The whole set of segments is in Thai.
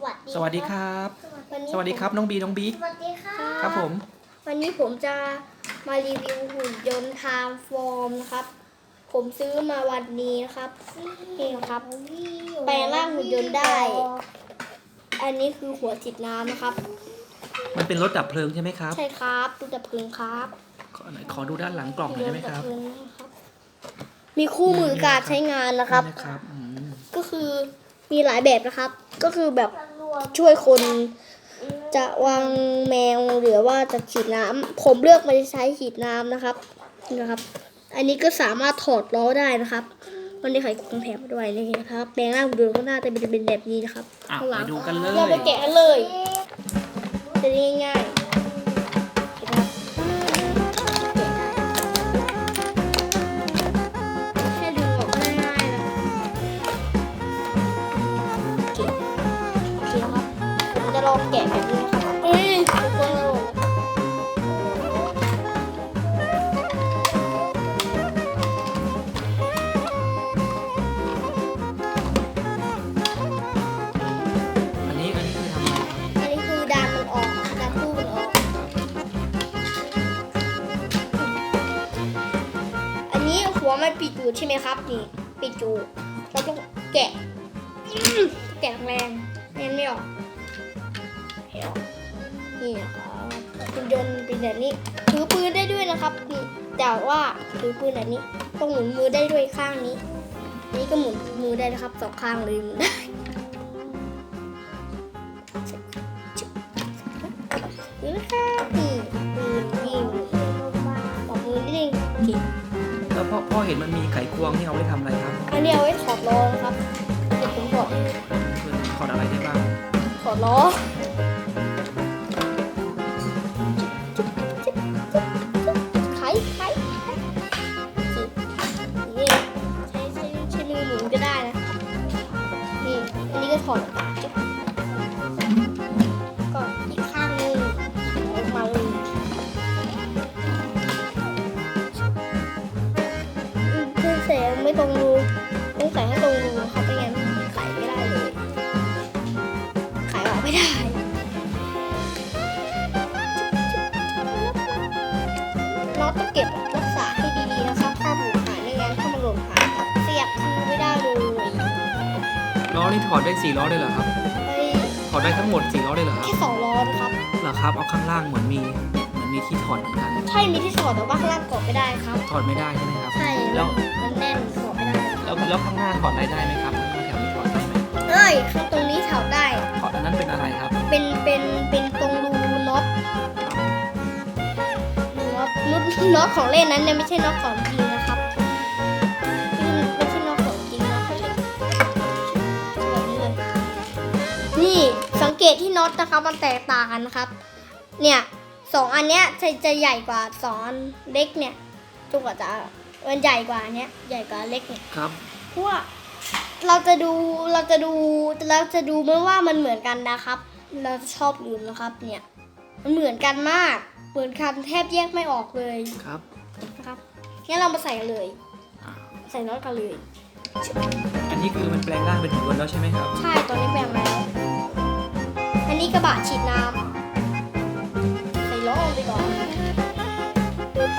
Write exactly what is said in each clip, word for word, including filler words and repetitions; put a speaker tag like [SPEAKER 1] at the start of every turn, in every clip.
[SPEAKER 1] วัสดี
[SPEAKER 2] สวัสดีครับ
[SPEAKER 1] วันนี้
[SPEAKER 2] สวัสดีครับน้องบีน้องบิ๊ก
[SPEAKER 1] สวัสดีค่ะ
[SPEAKER 2] ครับผม
[SPEAKER 1] วันนี้ผมจะมารีวิวหุ่นยนต์ไทม์ฟอร์มนะครับผมซื้อมาวันนี้นะครับนี่นะครับแปลงร่างหุ่นยนต์ได้ อันนี้คือหัวฉีดน้ำนะครับ
[SPEAKER 2] มันเป็นรถดับเพลิงใช่ไหมครับ
[SPEAKER 1] ใช่ครับดูดับเพลิงครับ
[SPEAKER 2] ขอหน่อยขอดูด้านหลังกล่องหน่อยได้ไหมครับ
[SPEAKER 1] ดัเพลิงนะครับ มีคู่มือการใช้งานนะครับ
[SPEAKER 2] ได้ครับอืม
[SPEAKER 1] ก็คือมีหลายแบบนะครับ ก็คือแบบช่วยคนจะวางแมวหรือว่าจะฉีดน้ำผมเลือกมาใช้ฉีดน้ำนะครับนะครับ อันนี้ก็สามารถถอดล้อได้นะครับมันได้ไขควงแถมมาด้วยนี่นะครับแปลงร่างดูข้างหน้าจะเป็นแบบนี้นะครับ
[SPEAKER 2] อ่ะ
[SPEAKER 1] ข้างหลั
[SPEAKER 2] ไป
[SPEAKER 1] ง
[SPEAKER 2] ดูกันเลย
[SPEAKER 1] เราไปแกะกันเลยจะได้ง่ายๆเห็นไหมครับแกะได้แค่ดึงออกก็ได้ง่ายๆนะครับโอเคโอเคครับผมจะลองแกะแบบนี้นะครับเอ้ยทุกคนลง
[SPEAKER 2] อันนี้อันนี้คือทำอะไรครับ
[SPEAKER 1] อันนี้คือดันมันออกดันตู้มันออก อันนี้หัวมันปิดอยู่ใช่ไหมครับนี่ปิดอยู่เราต้องแกะอื้อแกะแรงๆไม่งั้นไม่ออกไม่ออกนี่นะครับคุณยนต์เป็นแบบนี้ถือปืนได้ด้วยนะครับนี่แต่ว่าถือปืนแบบนี้ต้องหมุนมือได้ด้วยข้างนี้อันนี้ก็หมุนมือได้นะครับสองข้างเลยหมุนได้นี่นะครับนี่ปืนยิงปอกมือนิดนึงโอเค
[SPEAKER 2] แล้วพ่อพ่อเห็นมันมีไขควงนี่เอาไว้ทำอะไรครับ
[SPEAKER 1] อันนี้เอาไว้ถอดล้อนะครับเดี๋ยวผมถอด
[SPEAKER 2] คือถอดอะไรได้บ้าง
[SPEAKER 1] ถอดล้อไขไขนี่ใช้ใช้ใช้มือหมุนก็ได้นะนี่อันนี้ก็ถอดออกมาจุ๊บก็อีกข้างหนึงออกมาเลยเพื่อเสียไม่ตรงรูต้องใส่ให้ตรงรูนะครับไม่งั้นไขไม่ได้เลยไขออกไม่ได้เราต้องเก็บรักษาให้ดีๆนะครับถ้าหลุดหายไม่งั้นถ้ามันหล่นหายครับเสียบคือไม่ได้เลย
[SPEAKER 2] ล้อนี่ถอดได้สี่ล้อได้เหรอครับ
[SPEAKER 1] เฮ้ย
[SPEAKER 2] ถอดได้ทั้งหมดสี่ล้อได้เหรอครับ
[SPEAKER 1] แค่สองล้อนะครับ
[SPEAKER 2] เหรอครับเอาข้างล่างเหมือนมีเหมือนมีที่ถอดเหมือนกัน
[SPEAKER 1] ใช่มีที่ถอดแต่ว่าข้างล่างกดไม่ได้ครับ
[SPEAKER 2] ถอดไม่ได้ใช่ไหมครับ
[SPEAKER 1] ใช่
[SPEAKER 2] แล้ว
[SPEAKER 1] มันแน่นถอดไม่ได้
[SPEAKER 2] แล้วแล้วข้างหน้าถอดอะไรได้ไหมครับข้างแถวนี้ถอดได้ไหม
[SPEAKER 1] เอ้ยข้างตรงนี้ถอดได้
[SPEAKER 2] ถอดอันนั้นเป็นอะไรครับ
[SPEAKER 1] เป็นเป็นเป็นตรงรูน็อตน็อตน็อตน็อตของเล่นนั้นเนี่ยไม่ใช่น็อตของจริงนะครับไม่ใช่น็อตของจริงนะเขาใช้แบบนี้เลยนี่สังเกตที่น็อตนะครับมันแตกต่างกันนะครับ เนี่ยสองอันเนี้ยจะจะใหญ่กว่าสองอันเล็กเนี่ยจุกว่าจะมันใหญ่กว่าอันเนี้ยใหญ่กว่าเล็กเนี่ย
[SPEAKER 2] ครับ
[SPEAKER 1] เพราะว่าเราจะดูเราจะดูเราจะดูไม่ว่ามันเหมือนกันนะครับ เราชอบลืมนะครับ เนี่ยมันเหมือนกันมากเหมือนกันแทบแยกไม่ออกเลย
[SPEAKER 2] ครับ
[SPEAKER 1] นะครับงั้นเรามาใส่กันเลย
[SPEAKER 2] อ่า
[SPEAKER 1] ใส่น็อตกันเลย
[SPEAKER 2] อันนี้คือมันแปลงร่างเป็นหุ่นยนต์แล้วใช่ไหมครับ
[SPEAKER 1] ใช่ตอนนี้แปลงแล้ว อันนี้กระบะฉีดน้ำใส่ล้อลงไปก่อนปึ๊บ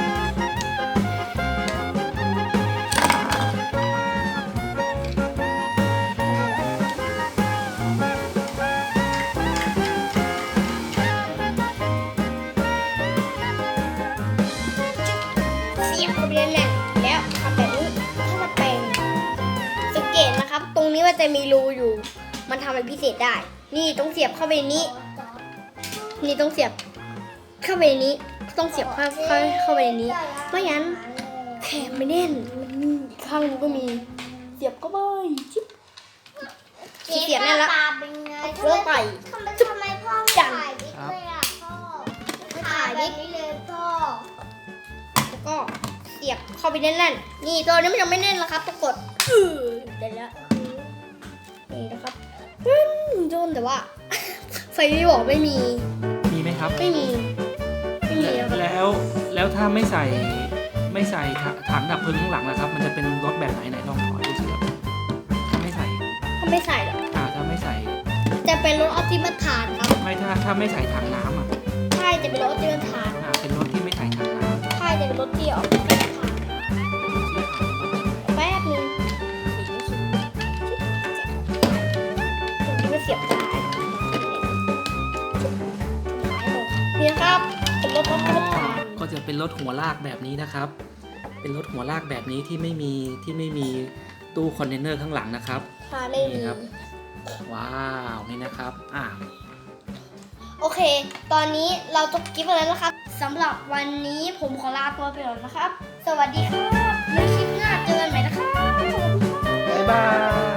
[SPEAKER 1] เสียบเข้าไปแน่นๆแล้วทำแบบนี้ถ้ามันแปลงสังเกตนะครับ ตรงนี้มันจะมีรูอยู่ มันทำอะไรพิเศษได้ นี่ต้องเสียบเข้าไปในนี้ นี่ต้องเสียบเข้าไปในนี้ ต้องเสียบเข้าเข้าเข้าไปในนี้ ไม่งั้นแขนไม่แน่น มันมีอีกข้างนึงก็มี เสียบเข้าไปจิ๊บเสียบแน่นแล้วเอาเฟือกไป
[SPEAKER 3] ทำไมทำไมพ่อไม่
[SPEAKER 1] จัน
[SPEAKER 3] ถ่ายบิ๊กเลยอ่ะพ่อ
[SPEAKER 1] ไม่
[SPEAKER 3] ถ่า
[SPEAKER 1] ถ่าย ย
[SPEAKER 3] แบ
[SPEAKER 1] ดิ
[SPEAKER 3] บนี้เลยพ่อ
[SPEAKER 1] แล้วก็เสียบเข้าไปแน่นๆ นี่ตัวนี้มันยังไม่แน่นแล้วครับต้องกดอือเดี๋ยวแล้วนี่นะครับอืมโดนแต่ว่า ไฟไม่บอกไม่มี
[SPEAKER 2] มีไหมครับ
[SPEAKER 1] ไม่มี ไม่มีครับ
[SPEAKER 2] แล้วแล้วถ้าไม่ใส่ไม่ใส่ถังดับเพลิงข้างหลังนะครับ มันจะเป็นรถแบบไหนไหนลองถอยดูสิครับถ้าไม่ใส่
[SPEAKER 1] เขาไม่ใส่หรอก
[SPEAKER 2] อ่าถ้าไม่ใส่
[SPEAKER 1] จะเป็นรถออปติมัสฐานครับ
[SPEAKER 2] ไม่ถ้าถ้าไม่ใส่ถังน้ำอ่ะ
[SPEAKER 1] ใช่จะเป็นรถออปติมัสฐาน
[SPEAKER 2] อ่าเป็นรถที่ไม่ใส่ถังน้ำ
[SPEAKER 1] ใช่จะเป็นรถที่ออปติมัสฐานแป๊บนึงตรงนี้ก็เสียบได้นี่นะครับเป็นรถออปติมัสฐาน
[SPEAKER 2] ก็จะเป็นรถหัวลากแบบนี้นะครับ เป็นรถหัวลากแบบนี้ที่ไม่มีที่ไม่มีตู้คอนเทนเนอร์ข้างหลังนะครับ
[SPEAKER 1] พาไม่มี
[SPEAKER 2] นี่ครับ ว้าวนี่นะครับอ่า
[SPEAKER 1] โอเค ตอนนี้เราจบคลิปไปแล้วนะครับสำหรับวันนี้ผมขอลาตัวไปก่อนนะครับ สวัสดีครับในคลิปหน้าเจอกันใหม่นะครับ
[SPEAKER 2] บ๊ายบาย